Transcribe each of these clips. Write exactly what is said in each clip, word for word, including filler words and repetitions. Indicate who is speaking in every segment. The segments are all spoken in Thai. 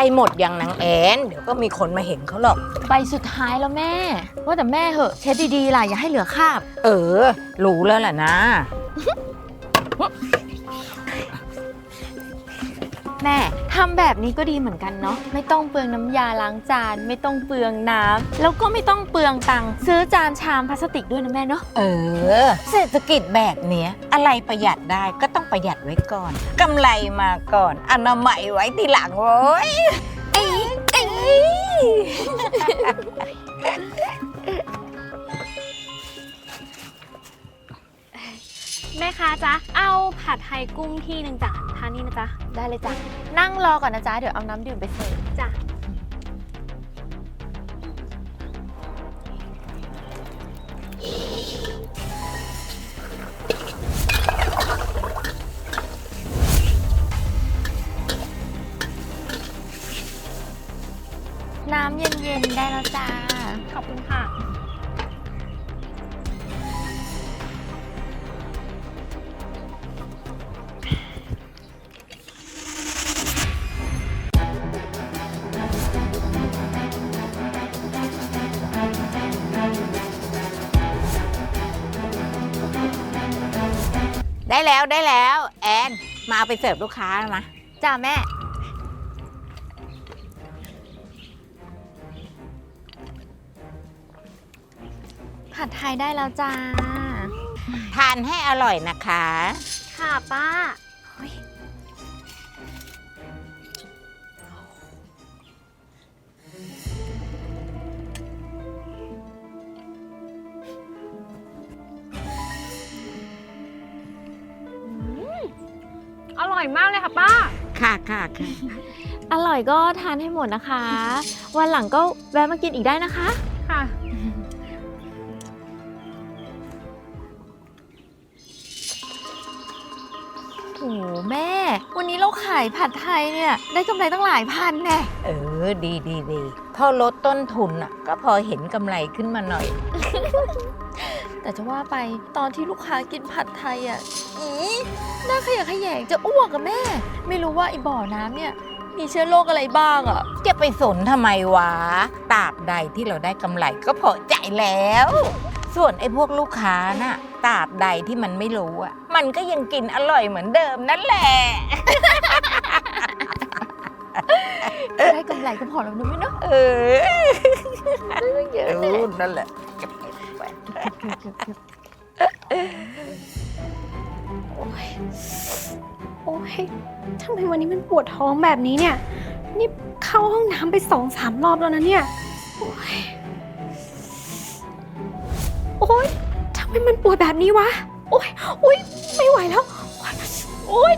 Speaker 1: ล้หมดอย่างนางแอนเดี๋ยวก็มีคนมาเห็นเขาหรอก
Speaker 2: ใบสุดท้ายแล้วแม่ว่าแต่แม่เหอะเช็ดดีๆล่ะอย่าให้เหลือคราบ
Speaker 1: เออรู้แล้วแหละนะ
Speaker 2: แม่ทำแบบนี้ก็ดีเหมือนกันเนาะไม่ต้องเปลืองน้ำยาล้างจานไม่ต้องเปลืองน้ำแล้วก็ไม่ต้องเปลืองตังค์ซื้อจานชามพลาสติกด้วยนะแม่เนาะ
Speaker 1: เออเศรษฐกิจแบบเนี้ยอะไรประหยัดได้ก็ต้องประหยัดไว้ก่อนกำไรมาก่อนอนามัยไว้ทีหลังโว้ยไอ้ไอ้
Speaker 3: แม่ค้าจ๊ะเอาผัดไทยกุ้งที่หนึ่งจ้ะทานนี่นะจ๊ะ
Speaker 2: ได้เลยจ้ะนั่งรอก่อนนะจ๊ะเดี๋ยวเอาน้ำดื่มไปเสิร์ฟ
Speaker 3: จ้ะ
Speaker 2: น้ำเย็นๆได้แล้วจ้า
Speaker 3: ขอบคุณค่ะ
Speaker 1: ได้แล้วได้แล้วแอนมาเอาไปเสิร์ฟลูกค้านะ
Speaker 2: จ้าแม่ผัดไทยได้แล้วจ้า
Speaker 1: ทานให้อร่อยนะคะ
Speaker 3: ค่ะป้าอร่อยมากเลยค่ะป้า
Speaker 1: ค่ะค่ะค่ะ
Speaker 2: อร่อยก็ทานให้หมดนะคะ วันหลังก็แวะมากินอีกได้นะคะ
Speaker 3: ค่ะ
Speaker 2: โอ้แม่วันนี้เราขายผัดไทยเนี่ยได้กำไรตั้งหลายพันแน่
Speaker 1: เออดีดีดีพอลดต้นทุนอ่ะก็พอเห็นกำไรขึ้นมาหน่อย
Speaker 2: แต่จะว่าไปตอนที่ลูกค้ากินผัดไทยอ่ะอีน่าขยะแขยงจะอ้วกกับแม่ไม่รู้ว่าไอ้บ่อน้ำเนี่ยมีเชื้อโรคอะไรบ้างอ่ะ
Speaker 1: จะไปสนทำไมวะตราบใดที่เราได้กำไรก็พอใจแล้วส่วนไอ้พวกลูกค้าน่ะตราบใดที่มันไม่รู้อ่ะมันก็ยังกินอร่อยเหมือนเดิมนั่นแหละ
Speaker 2: ได้กำไรก็พอแล้วนะแม่เนาะ
Speaker 1: เออได้เยอะนั่นแหละ
Speaker 3: โอ้ยโอ้ยทำไมวันนี้มันปวดท้องแบบนี้เนี่ยนี่เข้าห้องน้ำไปสองสามรอบแล้วนะเนี่ยโอ้ยโอ้ยทำไมมันปวดแบบนี้วะโอ้ยโอ้ยไม่ไหวแล้วโอ้ย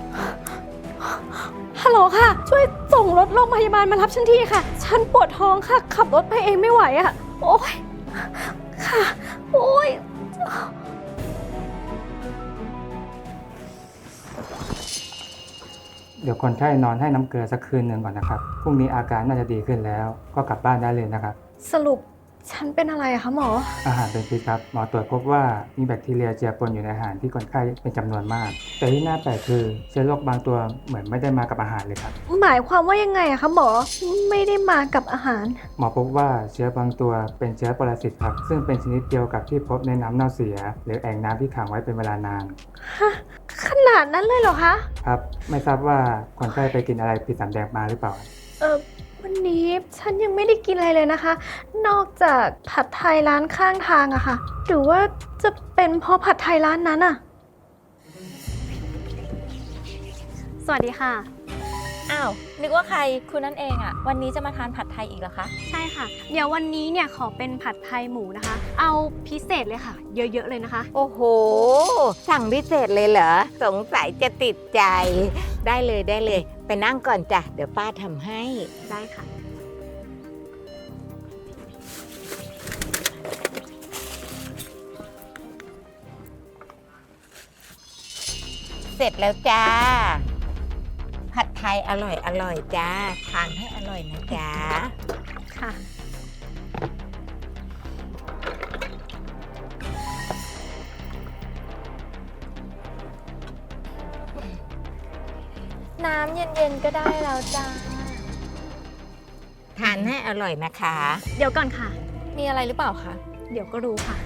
Speaker 3: ฮัลโหลค่ะช่วยส่งรถโรงพยาบาลมารับฉันทีค่ะฉันปวดท้องค่ะขับรถไปเองไม่ไหวอะโอ้ยค่ะโอ้ย
Speaker 4: เดี๋ยวคนไข้นอนให้น้ำเกลือสักคืนหนึ่งก่อนนะครับพรุ่งนี้อาการน่าจะดีขึ้นแล้วก็กลับบ้านได้เลยนะครับ
Speaker 3: สรุปฉันเป็นอะไรอะคะหมอ
Speaker 4: อาหารเป็นพิษครับหมอตรวจพบว่ามีแบคทีเรียเจือปนอยู่ในอาหารที่คนไข้เป็นจำนวนมากแต่ที่น่าแปลกคือเชื้อโรคบางตัวเหมือนไม่ได้มากับอาหารเลยครับ
Speaker 3: หมายความว่ายังไงอะคะหมอไม่ได้มากับอาหาร
Speaker 4: หมอพบว่าเชื้อบางตัวเป็นเชื้อปรสิตครับซึ่งเป็นชนิดเดียวกับที่พบในน้ำเน่าเสียหรือแอ่งน้ำที่ขังไว้เป็นเวลานาน
Speaker 3: ฮะขนาดนั้นเลยเหรอคะ
Speaker 4: ครับไม่ทราบว่าคนไข้ไปกินอะไรผิดสำแดงมาหรือเปล่า
Speaker 3: เออวันนี้ฉันยังไม่ได้กินอะไรเลยนะคะนอกจากผัดไทยร้านข้างทางอะค่ะหรือว่าจะเป็นเพราะผัดไทยร้านนั้นอะสวัสดีค่ะ
Speaker 2: อ้าวนึกว่าใครคุณนั่นเองอะวันนี้จะมาทานผัดไทยอีกเหรอคะ
Speaker 3: ใช่ค่ะเดี๋ยววันนี้เนี่ยขอเป็นผัดไทยหมูนะคะเอาพิเศษเลยค่ะเยอะๆเลยนะคะ
Speaker 1: โอ้โหสั่งพิเศษเลยเหรอสงสัยจะติดใจได้เลยได้เลยไปนั่งก่อนจ้ะเดี๋ยวป้าทำให้
Speaker 3: ได้ค่ะ
Speaker 1: เสร็จแล้วจ้าผัดไทยอร่อยอร่อยจ้าทานให้อร่อยนะจ้า
Speaker 3: ค่ะ
Speaker 2: น้ำเย็นๆก็ได้แล้วจ้า
Speaker 1: ทานให้อร่อยนะคะ
Speaker 3: เดี๋ยวก่อนค่ะ
Speaker 2: มีอะไรหรือเปล่าคะ
Speaker 3: เดี๋ยวก็รู้ค่ะ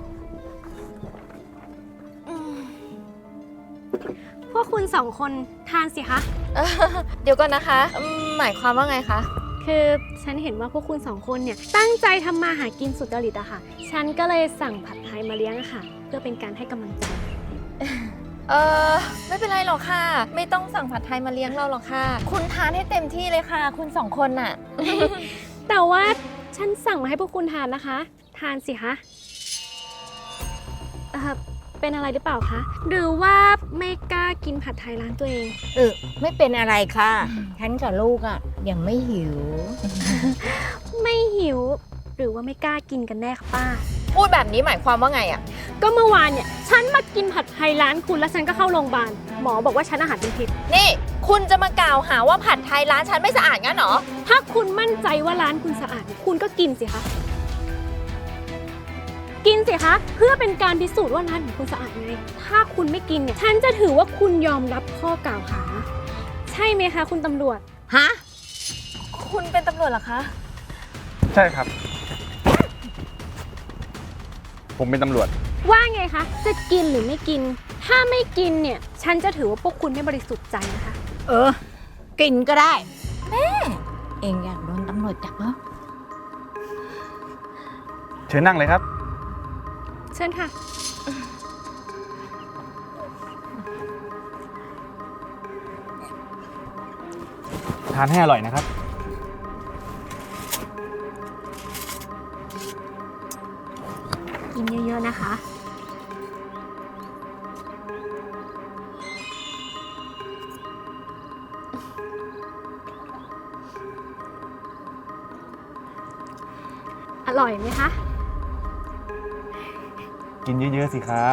Speaker 3: พวกคุณสองคนทานสิคะ
Speaker 2: เอ่อเดี๋ยวก่อนนะคะอืมหมายความว่าไงคะ
Speaker 3: คือฉันเห็นว่าพวกคุณสองคนเนี่ยตั้งใจทำมาหากินสุดจริตอะค่ะ ฉันก็เลยสั่งผัดไทยมาเลี้ยงอะค่ะ เพื่อเป็นการให้กำลังใจ
Speaker 2: เออไม่เป็นไรหรอกค่ะ ไม่ต้องสั่งผัดไทยมาเลี้ยงเราหรอกค่ะ คุณทานให้เต็มที่เลยค่ะ คุณสองคนน่ะ
Speaker 3: แต่ว่าฉันสั่งมาให้พวกคุณทานนะคะ ทานสิคะเอ่อเป็นอะไรหรือเปล่าคะ หรือว่าไม่กล้ากินผัดไทยร้านตัวเอง
Speaker 1: เออไม่เป็นอะไรค่ะ ฉันกับลูกอ่ะยังไม่หิว
Speaker 3: ไม่หิว หรือว่าไม่กล้ากินกันแน่คะป้า
Speaker 2: พูดแบบนี้หมายความว่าไงอะ
Speaker 3: ก็เมื่อวานเนี่ยฉันมากินผัดไทยร้านคุณแล้วฉันก็เข้าโรงพยาบาล หมอบอกว่าฉันอาหารเป็นพิษ
Speaker 2: นี่ คุณจะมากล่าวหาว่าผัดไทยร้านฉันไม่สะอาดงั้นเหรอ
Speaker 3: ถ้าคุณมั่นใจว่าร้านคุณสะอาด คุณก็กินสิคะ กินสิคะ เพื่อเป็นการพิสูจน์ว่าร้านของคุณสะอาดไง ถ้าคุณไม่กินเนี่ย ฉันจะถือว่าคุณยอมรับข้อกล่าวหา ใช่ไหมคะคุณตำรวจ
Speaker 1: ฮะ
Speaker 2: คุณเป็นตำรวจเหรอคะ
Speaker 5: ใช่ครับ ผมเป็นตำรวจ
Speaker 3: ว่าไงคะ จะกินหรือไม่กิน ถ้าไม่กินเนี่ย ฉันจะถือว่าพวกคุณไม่บริสุทธิ์ใจนะคะ
Speaker 1: เออ กินก็ได้แม่เองอยากโดนตำรวจจับเหรอ
Speaker 5: เชิญนั่งเลยครับ
Speaker 3: เชิญค่ะ
Speaker 5: ทานให้อร่อยนะครับ
Speaker 3: กินเยอะๆนะคะ อร่อยไหมคะ
Speaker 5: กินเยอะๆสิครับ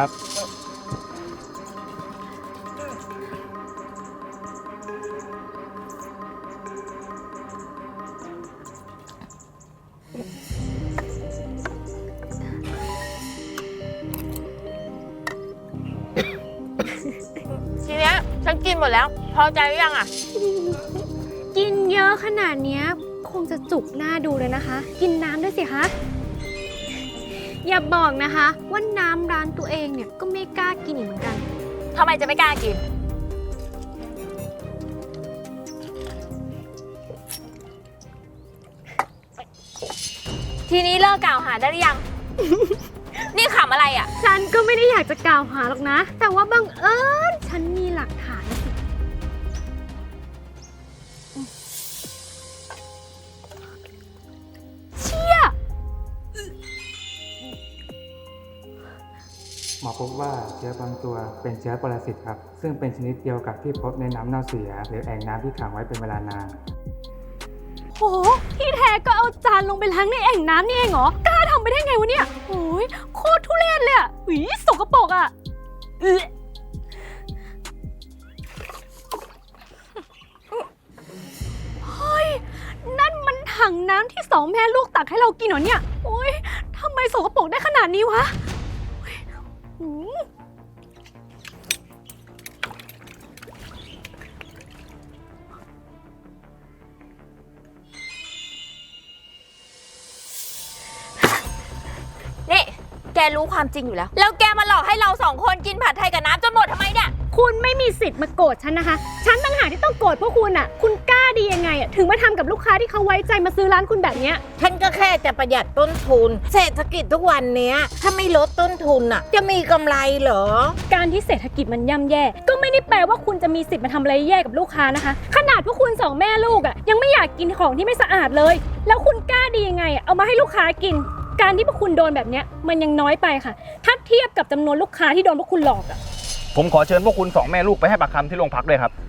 Speaker 2: ทีเนี้ยฉันกินหมดแล้ว พอใจหรือยังอะ
Speaker 3: กินเยอะขนาดเนี้ยคงจะจุกหน้าดูเลยนะคะ กินน้ำด้วยสิคะ อย่าบอกนะคะว่าน้ำร้านตัวเองเนี่ยก็ไม่กล้ากินอีกเหมือนกัน
Speaker 2: ทำไมจะไม่กล้ากิน ทีนี้เลิกกล่าวหาได้หรือยัง นี่ขำอะไรอะ
Speaker 3: ฉันก็ไม่ได้อยากจะกล่าวหาหรอกนะ แต่ว่าบังเอิญฉันมีหลักฐานสิ เชี่ย
Speaker 4: หมอพบว่าเชื้อบางตัวเป็นเชื้อปรสิตครับ ซึ่งเป็นชนิดเดียวกับที่พบในน้ำเน่าเสีย หรือแอ่งน้ำที่ขังไว้เป็นเวลานาน
Speaker 3: โห ที่แท้ก็เอาจานลงไปล้างในแอ่งน้ำนี่เองเหรอ กล้าทำไปได้ไงวะเนี่ยโอ้ยโคตรทุเรศเลยอ่ะหวีสกปรกอ่ะเอ๊ะเฮ้ย นั่นมันถังน้ำที่สองแม่ลูกตักให้เรากินเหรอเนี่ย โอ้ยทำไมสกปรกได้ขนาดนี้วะโอ้ยหืม
Speaker 2: นี่ แกรู้ความจริงอยู่แล้ว แล้วแกมาหลอกให้เราสองคนกินผัดไทยกับน้ำจนหมดทำไมเนี่ย
Speaker 3: คุณไม่มีสิทธิ์มาโกรธฉันนะคะ ฉันต่างหากที่ต้องโกรธพวกคุณอ่ะ คุณกล้าดียังไงอ่ะ ถึงมาทำกับลูกค้าที่เขาไว้ใจมาซื้อร้านคุณแบบเนี้ย
Speaker 1: ฉันก็แค่จะประหยัดต้นทุน เศรษฐกิจทุกวันเนี้ย ถ้าไม่ลดต้นทุนอ่ะ จะมีกำไรเหรอ
Speaker 3: การที่เศรษฐกิจมันย่ำแย่ ก็ไม่ได้แปลว่าคุณจะมีสิทธิ์มาทำอะไรแย่กับลูกค้านะคะ ขนาดพวกคุณสองแม่ลูกอ่ะยังไม่อยากกินของที่ไม่สะอาดเลย แล้วคุณกล้าดียังไงอ่ะเอามาให้ลูกค้ากิน การที่พวกคุณโดนแบบเนี้ยมันยังน้อยไปค่ะ ถ้าเทียบกับจำนวนลูกค้าที่โดนพวกคุณหลอกอ่ะ
Speaker 5: ผมขอเชิญพวกคุณสองแม่ลูกไปให้ปากคำที่โรงพักด้วยครับ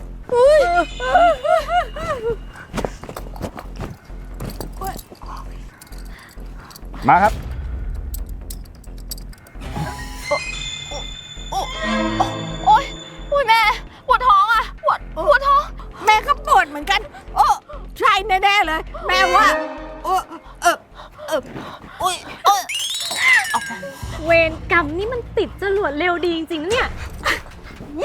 Speaker 5: มาครับ
Speaker 2: โอ๊ยอุ้ยแม่ ปวดท้องอ่ะ ปวด ปวดท้อง
Speaker 1: แม่ก็ปวดเหมือนกัน โอ้ใช่แน่ๆเลย แม่ว่า โอ้เออเอออุ้ยเออ
Speaker 3: เวรกรรมนี่มันติดจรวดเร็วดีจริงๆนะเนี่ย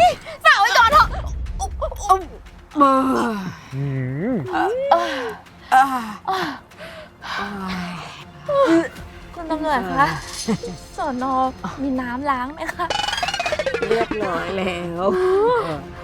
Speaker 2: สาวไว้ก่อนเถอะ
Speaker 1: เออ
Speaker 5: อืม
Speaker 1: อ่า
Speaker 2: อ่ะ
Speaker 1: อ่า
Speaker 2: คุณตำรวจคะสอนอมีน้ำล้างไหมคะ
Speaker 1: เรียบร้อยแล้ว
Speaker 2: อ